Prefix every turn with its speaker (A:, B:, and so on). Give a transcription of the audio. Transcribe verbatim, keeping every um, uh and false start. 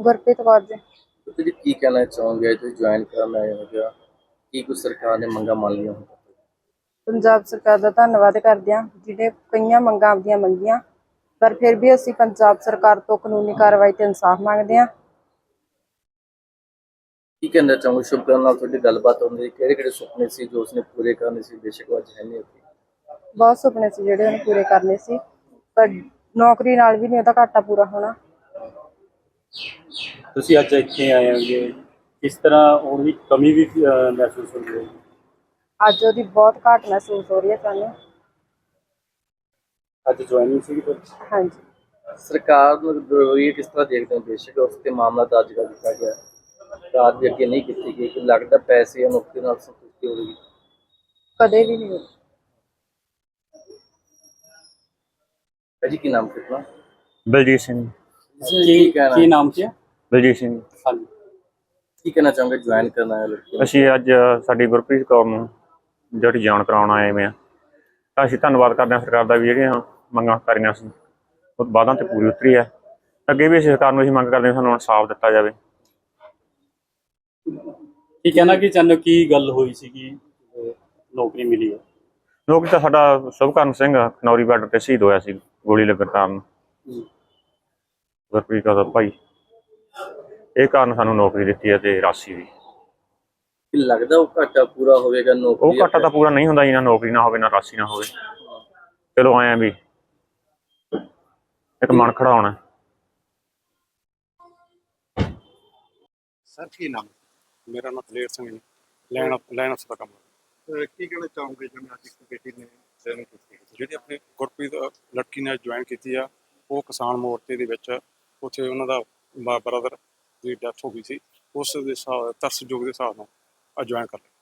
A: ਗੁਰਪ੍ਰੀਤ ਕੌਰ ਜੀ।
B: ਤੁਸੀਂ ਕੀ ਕਹਿਣਾ ਚਾਹੋਗੇ? ਤੁਸੀਂ ਜੁਆਇਨ ਕਰਨ ਆਏ ਹੋ ਜਾਂ ਕੀ ਕੁਝ ਸਰਕਾਰ ਨੇ ਮੰਗਾਂ ਮੰਨ ਲਈਆਂ ਹੁਣ?
A: ਪੰਜਾਬ ਸਰਕਾਰ ਦਾ ਧੰਨਵਾਦ ਕਰਦੇ ਹਾਂ, ਜਿਹੜੇ ਕਈਆਂ ਮੰਗਾਂ ਆਪਦੀਆਂ ਮੰਗੀਆਂ, ਪਰ ਫਿਰ ਵੀ ਅਸੀਂ ਪੰਜਾਬ ਸਰਕਾਰ ਤੋਂ ਕਾਨੂੰਨੀ ਕਾਰਵਾਈ ਤੇ ਇਨਸਾਫ ਮੰਗਦੇ ਹਾਂ।
B: ਕੀ ਕਹਿਣਾ ਚਾਹੋਗੇ? ਸ਼ੁਭਕਰਨ ਨਾਲ ਤੁਹਾਡੀ ਗੱਲਬਾਤ ਹੁੰਦੀ, ਕਿਹੜੇ ਕਿਹੜੇ ਸੁਪਨੇ ਸੀ ਜੋ ਉਸਨੇ ਪੂਰੇ ਕਰਨੇ ਸੀ, ਬੇਸ਼ੱਕ ਉਹ ਅੱਜ ਹੈ ਨਹੀਂ ਉੱਥੇ?
A: ਬਹੁਤ ਸੁਪਨੇ ਸੀ ਜਿਹੜੇ ਉਹਨੇ ਪੂਰੇ ਕਰਨੇ ਸੀ, ਪਰ ਨੌਕਰੀ ਨਾਲ ਵੀ ਨਹੀਂ ਉਹਦਾ ਘਾਟਾ ਪੂਰਾ ਹੋਣਾ।
C: ਤੁਸੀਂ ਅੱਜ ਇੱਥੇ ਆਏ ਹੋਗੇ, ਕਿਸ ਤਰ੍ਹਾਂ ਉਹਦੀ ਕਮੀ ਵੀ ਅਹ, ਮਹਿਸੂਸ ਹੁੰਦੀ ਹੈ?
A: ਅੱਜ ਉਹਦੀ ਬਹੁਤ ਘਾਟ ਮਹਿਸੂਸ ਹੋ ਰਹੀ ਹੈ ਸਾਨੂੰ।
C: ਅੱਜ ਜੁਆਇਨਿੰਗ ਸੀਗੀ ਫਿਰ?
A: ਹਾਂਜੀ।
B: ਸਰਕਾਰ ਨੂੰ ਰਵੱਈਆ ਕਿਸ ਤਰ੍ਹਾਂ ਦੇਖਦੇ ਹੋ? ਬੇਸ਼ੱਕ ਉਸ ਤੇ ਮਾਮਲਾ ਦਰਜ ਕਰ ਦਿੱਤਾ ਗਿਆ, ਰਾਤ ਦੇ ਅੱਗੇ ਨਹੀਂ ਕੀਤੀ ਗਈ, ਕਿ ਲੱਗਦਾ ਪੈਸੇ ਜਾਂ ਨੌਕਰੀ ਨਾਲ ਸੰਤੁਸ਼ਟੀ ਹੋਵੇਗੀ?
A: ਕਦੇ ਵੀ ਨਹੀਂ ਹੋਈ।
B: ਭਾਜੀ ਕੀ ਨਾਮ ਕਿਤਨਾ?
D: ਬਲਜੀਤ ਸਿੰਘ।
B: ਕੀ ਕਹਿਣਾ
C: ਕੀ ਨਾਮ ਕੀ ਹੈ?
D: ਬਲਜੀਤ ਸਿੰਘ।
C: ਹਾਂਜੀ।
B: ਕੀ ਕਹਿਣਾ ਚਾਹੋਗੇ ਜੁਆਇਨ ਕਰਨ ਆਏ ਲੜਕੀ ਨੂੰ?
D: ਅਸੀਂ ਅੱਜ ਸਾਡੀ ਗੁਰਪ੍ਰੀਤ ਕੌਰ ਨੂੰ ਜਿਹੜੀ ਜਾਣ ਕਰਾਉਣ ਆਏ ਹੋਏ ਹਾਂ, ਤਾਂ ਅਸੀਂ ਧੰਨਵਾਦ ਕਰਦੇ ਹਾਂ ਸਰਕਾਰ ਦਾ ਵੀ ਜਿਹੜੀਆਂ ਮੰਗਾਂ ਕਰੀਆਂ ਸੀ ਉਹ ਵਾਅਦਾ 'ਤੇ ਪੂਰੀ ਉਤਰੀ ਹੈ। ਅੱਗੇ ਵੀ ਅਸੀਂ ਸਰਕਾਰ ਨੂੰ ਅਸੀਂ ਮੰਗ ਕਰਦੇ ਹਾਂ ਸਾਨੂੰ ਇਨਸਾਫ ਦਿੱਤਾ ਜਾਵੇ।
C: ਕੀ ਕਹਿਣਾ ਕੀ ਚਾਹੁੰਦੇ ਹੋ, ਕੀ ਗੱਲ ਹੋਈ ਸੀਗੀ ਨੌਕਰੀ ਮਿਲੀ ਹੈ?
D: ਨੌਕਰੀ ਤਾਂ ਸਾਡਾ ਸ਼ੁਭਕਰਨ ਸਿੰਘ ਖਨੌਰੀ ਬਾਰਡਰ 'ਤੇ ਸ਼ਹੀਦ ਹੋਇਆ ਸੀ ਗੋਲੀ ਲੱਗਣ ਕਾਰਨ। ਗੁਰਪ੍ਰੀਤ ਕੌਰ ਦਾ ਭਾਈ, ਇਹ ਕਾਰਨ ਸਾਨੂੰ ਨੌਕਰੀ ਦਿੱਤੀ ਹੈ ਤੇ ਰਾਸ਼ੀ ਵੀ।
B: ਕੀ ਲੱਗਦਾ ਉਹ ਘਾਟਾ ਪੂਰਾ ਹੋਵੇਗਾ?
D: ਉਹ
B: ਨੌਕਰੀ
D: ਘਾਟਾ ਤਾਂ ਪੂਰਾ ਨਹੀਂ ਹੁੰਦਾ ਜੀ, ਨਾ ਨੌਕਰੀ ਨਾ ਹੋਵੇ ਨਾ ਰਾਸ਼ੀ ਨਾ ਹੋਵੇ। ਚਲੋ ਆਏ ਵੀ ਇੱਕ ਮਨ ਖੜਾ ਹੋਣਾ।
E: ਸਰ ਕੀ ਨਾਮ?
F: ਮੇਰਾ ਨਾਮ ਦਲੇਰ ਸਿੰਘ ਜੀ, ਲੈਣ ਲੈਣ ਅਫਸਰ ਦਾ ਕੰਮ ਹੈ।
E: ਅਹ ਕੀ ਕਹਿਣਾ ਚਾਹੋਗੇ ਜਿਵੇਂ ਅੱਜ ਇੱਕ ਬੇਟੀ ਨੇ ਜੁਆਇਨ ਕੀਤੀ?
F: ਜਿਹੜੀ ਆਪਣੀ ਗੁਰਪ੍ਰੀਤ ਲੜਕੀ ਨੇ ਜੁਆਇਨ ਕੀਤੀ ਆ, ਉਹ ਕਿਸਾਨ ਮੋਰਚੇ ਦੇ ਵਿੱਚ ਉੱਥੇ ਉਹਨਾਂ ਦਾ ਬ੍ਰਦਰ ਦੀ ਡੈਥ ਹੋ ਗਈ ਸੀ, ਉਸ ਦੇ ਹਿਸਾਬ ਤਰਸਯੋਗ ਦੇ ਹਿਸਾਬ ਨਾਲ ਜੁਆਇਨ ਕਰ ਲਿਆ।